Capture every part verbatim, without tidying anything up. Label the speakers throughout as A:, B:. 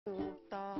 A: ถูกต้อง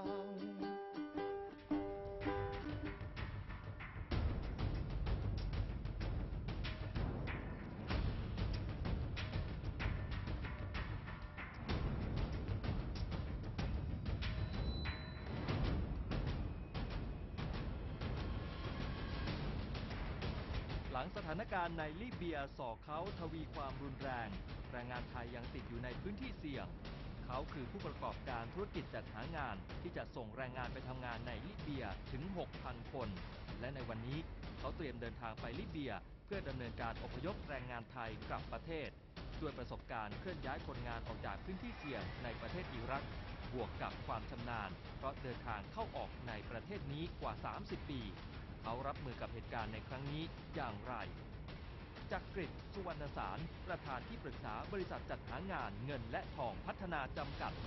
A: หลังสถานการณ์ในลิเบียส่อเขาทวีความรุนแรงแรงงานไทยยังติดอยู่ในพื้นที่เสี่ยงเขาคือผู้ประกอบการธุรกิจจัดหางานที่จะส่งแรงงานไปทำงานในลิเบียถึง หกพัน คนและในวันนี้เขาเตรียมเดินทางไปลิเบียเพื่อดำเนินการอพยพแรงงานไทยกลับประเทศด้วยประสบการณ์เคลื่อนย้ายคนงานออกจากพื้นที่เสี่ยงในประเทศอิรักบวกกับความชำนาญเพราะเดินทางเข้าออกในประเทศนี้กว่า สามสิบ ปีเขารับมือกับเหตุการณ์ในครั้งนี้อย่างไรจักริด สุวรรณสารประธานที่ปรึกษาบริษัทจัดหางานเงินและทองพัฒนาจำกัด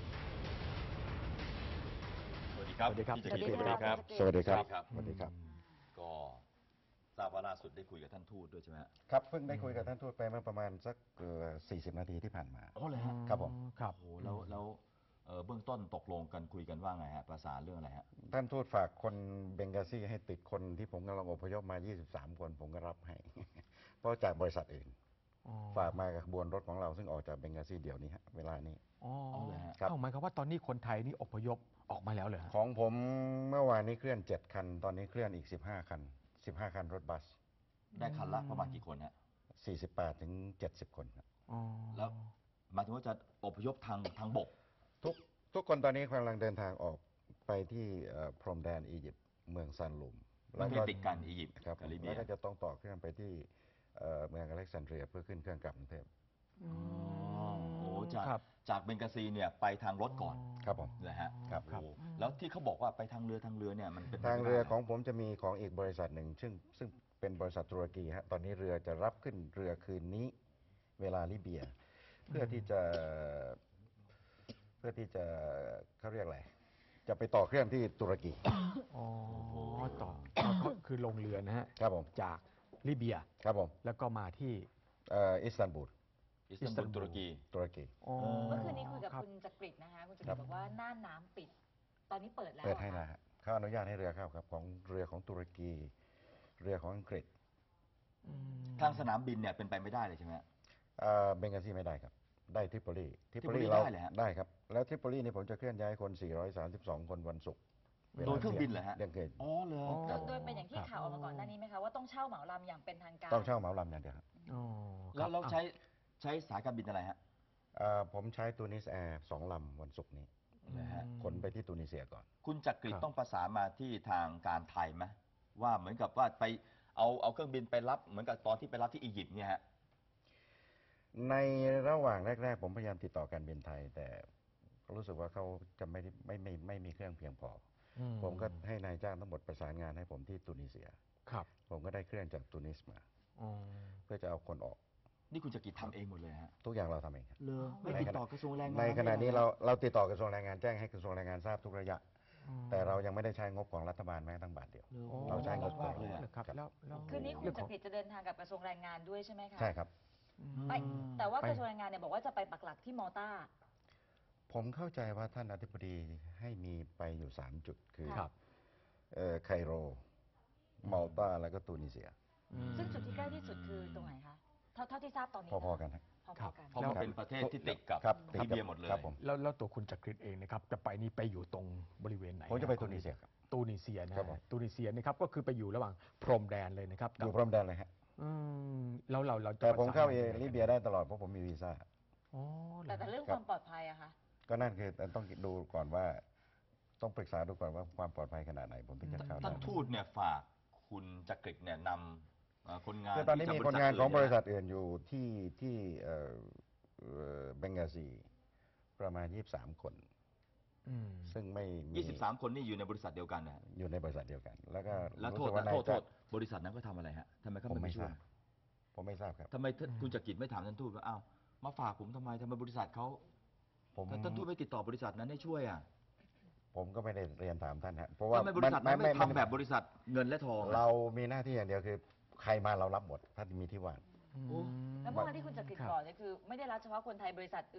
B: สวัสดีครับ
C: สวัสดีครับ
B: พี่จักริดสวัสดีครับ
C: สวัสดีครับ
B: สวัสดีครับก็ทราบว่าล่าสุดได้คุยกับท่านทูตด้วยใช่ไหม
C: ครับเพิ่งได้คุยกับท่านทูตไปเมื่อประมาณสักสี่สิบนาทีที่ผ่านมา
B: อ๋อเลยฮะ
C: ครับผม
B: ครับโอ้แล้วแล้วเบื้องต้นตกลงกันคุยกันว่าไงฮะประสานเรื่องอะไรฮะ
C: ท่านทูตฝากคนเบงกาซีให้ติดคนที่ผมกำลังอพยพมายี่สิบสามคนผมก็รับให้ เพราะจากบริษัทอื่นฝากมากับขบวนรถของเราซึ่งออกจากเบงกาซีเดี๋ยวนี้ฮะเวลานี้
A: อ๋อเลยฮะ
C: ครับ
A: เข้าหมายความว่าตอนนี้คนไทยนี่อพยพออกมาแล้วเหรอฮะ
C: ของผมเมื่อวานนี้เคลื่อนเจ็ดคันตอนนี้เคลื่อนอีกสิบห้าคันสิบห้าคันรถบัส
B: ได้คันละประมาณกี่คนฮะ
C: สี่สิบแปดถึงเจ็ดสิบคนครับ
A: อ๋อ
B: แล้วหมายถึงว่าจะอพยพทางทางบก
C: ทุกทุกคนตอนนี้กำลังเดินทางออกไปที่พรมแดนอียิปต์เมืองซานลุม
B: ประเทศติดกันอียิปต์
C: ครับ
B: กับลิเบี
C: แล้
B: ยว
C: ก็จะต้องต่อเครื่องไปที่เอ่อเมืองอเล็กซานเดรียเพื่อขึ้นเครื่องกลับกรุงเทพ
B: อ๋อโอ้จาก
A: ครับ
B: จากเบงกาซีเนี่ยไปทางรถก่อน
C: ครับผม
B: นะฮะ
C: ครับ
B: โอ้แล้วที่เขาบอกว่าไปทางเรือทางเรือเนี่ยมันเป็นไป
C: ทาง
B: ไม่ได้
C: เรือของผมจะมีของอีกบริษัทหนึ่งซึ่งซึ่งเป็นบริษัทตุรกีฮะตอนนี้เรือจะรับขึ้นเรือคืนนี้เวลาลิเบีย เพื่อที่จะเพื่อที่จะเขาเรียกอะไรจะไปต่อเครื่องที่ตุรกี
A: อ๋อต่อก็คือลงเรือนะฮะ
C: ครับผม
A: จากลิเบีย
C: ครับผม
A: แล้วก็มาที่
C: เอ่ออิสตันบูล
B: อิสตันบูลตุรกี
C: ตุรกี
A: อ๋อ
D: เมื่อคืนนี้คุยกับ
A: รับ
D: คุณจักริดนะคะคุณจัก
C: ครั
D: ริด
C: บ
D: บอกว่าน่านน้ำปิด ตอนนี้เปิดแล้ว
C: เปิดให้
D: หร
C: นะ
D: อคะ
C: ฮะเขาอนุญาตให้เรือเข้าครับของเรือของตุรกี เรือของอังกฤษ
B: ทางสนามบินเนี่ยเป็นไปไม่ได้เลยใช่ไหมฮะ
C: เอ่อเบงกาซีไม่ได้ครับ ได้ทริปโปลีทริปโปลี
B: ทริปโปลี
C: เรา
B: ได้เหรอฮะ
C: ได้ครับ แล้วทริปโปลีนี่ผมจะเคลื่อนย้ายคน สี่ร้อยสามสิบสอง คนวันศุกร์วลา
B: โดยเครื่องบินเหรอฮะ
C: เรื่องเกิน
B: อ๋อเหรอ
A: อ๋อ
D: โดยโดยเป็นอย่างที่ข่าวออกมาก่อนหน้านี้ไหมคะว่าต้องเช่าเหมาลำอย่างเป็นทางการ
C: ต้องเช่าเหมาลำอย่างเดียวครับ
A: อ๋อค
B: แล้
A: รั
B: ว
A: บ
B: เราใช้ใช้สายการบินอะไรฮะ
C: เอ่อผมใช้ตูนิสแอร์สองลำวันศุกร์นี้
B: นะฮะ
C: ขนไปที่ตูนิเซียก่อน
B: คุณจักริด
A: ครับ
B: ต้องประสานมาที่ทางการไทยไหมว่าเหมือนกับว่าไปเอาเอาเครื่องบินไปรับเหมือนกับตอนที่ไปรับที่อียิปต์เนี่ยฮะ
C: ในระหว่างแรก ๆ ผมพยายามติดต่อการบินไทย แต่รู้สึกว่าเขาจะไม่ได้ไม่ไม่ไม่มีเครื่องเพียงพออ
A: ม
C: ผมก็ให้นายจ้างทั้งหมดประสานงานให้ผมที่ตูนิเซีย
A: ครับ
C: ผมก็ได้เครื่องจากตูนิสมา
A: อ๋อ
C: เพื่อจะเอาคนออก
B: นี่คุณจักริดทำเองหมดเลยฮะ
C: ทุกอย่างเราทำเองครับ
B: เลยไม่ติดต่อกระทรวงแรงงาน
C: ในขณะนี้
B: ไม่
C: เรา
B: อะไร
C: เราติดต่อกระทรวงแรงงานแจ้งให้กระทรวงแรงงานทราบทุกระยะ
A: อืม
C: แต่เรายังไม่ได้ใช้งบของรัฐบาลแม้แต่บาทเดียว
B: โอ้
C: เราใช้งบของ
B: มากเลยอะ
A: ครับแล้วแล้ว
D: คืนนี้คุ
A: เรื่
D: ณ
A: อง
D: จั
A: ของ
D: กริดจะเดินทางกับกระทรวงแรงงานด้วยใช่ไหมคะ
C: ใช่ครับ
D: ไปแต่ว่า
A: ไป
D: กระทรวงแรงงานเนี่ยบอกว่าจะไปปักหลักที่มอลตา
C: ผมเข้าใจว่าท่านอธิบดีให้มีไปอยู่สามจุดคือ
A: ครับ
C: เอ่อไคโรมัลตาแล้วก็ตูนิเซีย
D: ซึ่งจุดที่ใกล้ที่สุดคือตรงไหนคะเท่าเท่าที่ทราบตอนนี้
C: พอๆกันฮะ
D: พอ
A: ครับ
D: ๆกัน
B: เพราะมันเป็นประเทศที่ติดกับ
C: ครับ
B: ลิเบียหมดเลย
C: ครับผม
A: แล้วแล้วตัวคุณจักริดเองนะครับจะไปนี่ไปอยู่ตรงบริเวณไหน
C: ผมจะไปตูนิเซียครับ
A: ตูนิเซียนะ
C: ครับผม
A: ตูนิเซียนะครับก็คือไปอยู่ระหว่างพรมแดนเลยนะครับ
C: อยู่พรมแดนเลยฮะ
A: อืมแล้วเราเราจะ
C: แต่ผมเข้า
A: ประสนงน
C: ลิเบียได้ตลอดเพราะผมมีวีซ่า
A: อ๋อเหร
D: แต่
A: อ
D: แต่เรื่อง
C: ครั
D: ค
C: บ
D: วามปลอดภัยอะคะ
C: ก็นั่นคือต้องดูก่อนว่า ต้องปรึกษาดูก่อนว่าความปลอดภัยขนาดไหนผมถึงจะเข้า
B: ท่าน
C: ได้
B: ทูตเนี่ยฝากคุณจักริดเนี่ยนำเอ่อคนงาน
C: คือตอนนี้
B: ที่
C: มี
B: จาก
C: คนงานของบริษัท
B: อื่น
C: อื่นอยู่ที่ที่เอ่อเอ่อเบงกาซีประมาณยี่สิบสามคน
A: อืม
C: ซึ่งไม่มี
B: ยี่สิบสามคนนี่อยู่ในบริษัทเดียวกันนะฮะ
C: อยู่ในบริษัทเดียวกัน แล้วก็
B: แล้วโท
C: รู้
B: ษ
C: สึกว่า
B: นะ
C: นาย
B: โทษโท
C: จ้าง
B: ษบริษัทนั้นก็ทำอะไรฮะทำไมเขา
C: ผม
B: ไม่
C: ไม่
B: มาช่
C: ท
B: วย
C: ราบ ผมไม่ทราบครับ
B: ทำไมท่านคุณจักริดไม่ถามท่านทูตว่าอ้าวมาฝากผมทำไมทำไมบริษัทเขา
C: ผม
B: แต่ท่านทูตไม่ติดต่อบริษัทนั้นให้ช่วยอ่ะ
C: ผมก็ไม่ได้เรียนถามท่านฮะเพราะว่า
B: ทำไมบริษัทนั้นไม่ทำแบบบริษัทเงินและทองอะ
C: เรามีหน้าที่อย่างเดียวคือ ใครมาเรารับหมด ถ้ามีที่ว่าง
B: โอ้
D: แล้วเมื่อวานที่คุณจักริด
A: ครับ
D: บอกเนี่ยคือไม่ได้รับเฉพาะคนไทยบริษัทอื่น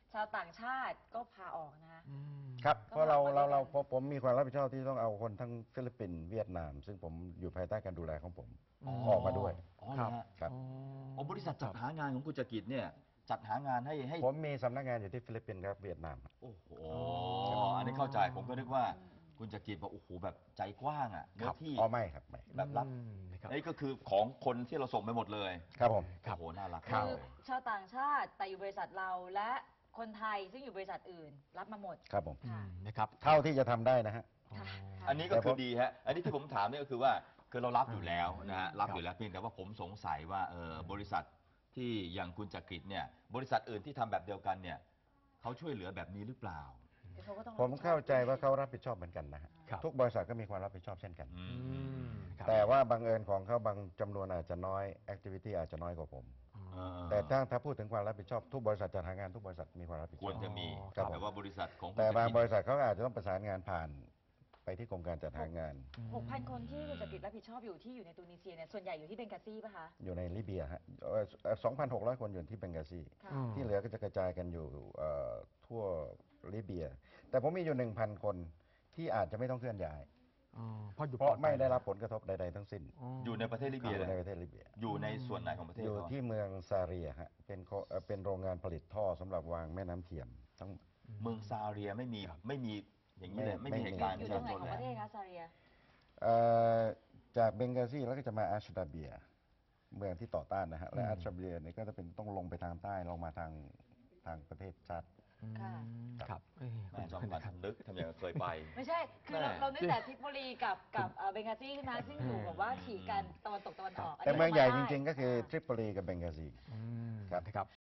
D: ชาวต่างชาติก็พาออกนะคะ
A: อืม
C: ครับ
D: ก็
C: เพราะเรา
D: ออกมา
C: เรา
D: ด้วยกัน
C: เราผมผมมีความรับผิดชอบที่ต้องเอาคนทั้งฟิลิปปินส์เวียดนาม ซึ่งผมอยู่ภายใต้การดูแลของผม
A: อ๋อ
C: ออกมาด้วย
B: อ๋อเหรอฮะ
C: ครับ
A: อ๋อ
B: อ๋อบริษัทจัดหางานของคุณจักริดเนี่ยจัดหางานให้ให้
C: ผมมีสำนักงานอยู่ที่ฟิลิปปินส์ครับเวียดนาม
B: โอ้โห
A: อ๋ออั
B: อันนี้เข้าใจผมก็นึกว่าคุณจักริดบอกโอ้โหแบบใจกว้างอ่ะเนื้อที่
C: อ๋อไม่ครับไม่
B: แบบรับ
A: อืมนะครับ
B: นี่ก็คือของคนที่เราส่งไปหมดเลย
C: ครับผม
A: ครับ
B: โอ้โหน่ารัก
A: ครั
D: คื
A: บ
D: อชาวต่างชาติแต่อยู่บริษัทเราและคนไทยซึ่งอยู่บริษัทอื่น รับมาหมด
C: ครับผม
A: อืมนะครับ
C: เท่าที่จะทำได้นะฮะ
D: ค่ะ
B: อันนี้ก็คือดีฮะ อันนี้ที่ผมถามเนี่ยก็คือว่าคือเรารับอยู่แล้วนะฮะ รับ
A: ครับ
B: อยู่แล้วเพียงแต่ว่าผมสงสัยว่าเออบริษัทที่อย่างคุณจักริดเนี่ยบริษัทอื่นที่ทำแบบเดียวกันเนี่ยเขาช่วยเหลือแบบนี้หรือเปล่า
D: คือเขาก็ต้อง
C: ผมเข้าใจว่าเขารับผิดชอบเหมือนกันนะฮะ
A: ครับ
C: ทุกบริษัทก็มีความรับผิดชอบเช่นกัน
B: อื
A: อื
B: ม
A: มครับ
C: แต่ว่าบังเอิญของเขาบางจำนวนอาจจะน้อยแอคทิวิตี้อาจจะน้อยกว่าผม
B: เออ
C: แต่ถ้าถ้าพูดถึงความรับผิดชอบทุกบริษัทจัดหางานทุกบริษัทมีความรับผิดช
B: ค
C: อบ
B: วรจะมี
C: ครับ
B: แต่ว่าบริษัทของคุณ
C: แต่บาง
B: จัก
C: บ
B: ริด
C: ริษัทเขาอาจจะต้องประสานงานผ่านไปที่กรมการจัดหางาน
D: หกพันคนที่คุณจักริดรับผิดชอบอยู่ที่อยู่ในตูนิเซียเนี่ยส่วนใหญ่อยู่ที่เบงกาซีป่ะคะ
C: อยู่ในลิเบียฮะสองพันหกร้อยคนอยู่ที่เบงกาซี
D: ค่ะ
A: อืม
C: ที่เหลือก็จะกระจายกันอยู่เอ่อทั่วลิเบีย แต่ผมมีอยู่หนึ่งพันคนที่อาจจะไม่ต้องเคลื่อนย้าย
A: อ๋อเพราะอยู่
C: เพราะ
A: ปลอดภัย
C: ไม่ได้รับผลกระทบใดๆทั้งสิ้น
B: อยู่ในประเทศลิ
C: อ
B: เบีย
C: ยู่
B: เลย
C: ในประเทศลิเบีย
B: อยู่ในส่วนไหนของประเทศ
C: อยู่
B: เขา
C: ที่เมืองซาเรียฮะเป็นโคเอ่อเป็นโรงงานผลิตท่อสำหรับวางแม่น้ำเทียมทั้ง
B: เมืองซาเรียไม่มี
A: ครับ
B: ไม่มีอย่างนี้เลย
C: ไม่
B: ไม่มี
C: ไม่
B: เห
C: มี
B: ตุการณ์
D: อยู่
B: ที่
D: ตรงไหนของ
B: เล
D: ประเทศ
B: ย
D: คะซาเรีย
C: เอ่อจากเบงกาซีแล้วก็จะมาอาชดาเบีย เมืองที่ต่อต้านนะฮะและ
A: อืม
C: อาชดาเบียเนี่ยก็จะเป็นต้องลงไปทางใต้ลงมาทางทางประเทศชาติ
A: อืม
D: ค่ะ
A: ครับเอ้ย
B: แม่จอมขวัญนึกทำอย่างเคยไป
D: ไม่ใช่ คือเรา
B: แม่
D: เรานึกแต่ทริปโปลีกับกับเอ่อเบงกาซีใช่ไหมซึ่งอยู่แบบว่าฉีกกันตะวันตกตะวันออก
C: แต่เมืองใหญ่จริงๆ ก็คือทริปโปลีกับเบงกาซี
A: อืม
C: ครับ
A: นะครับ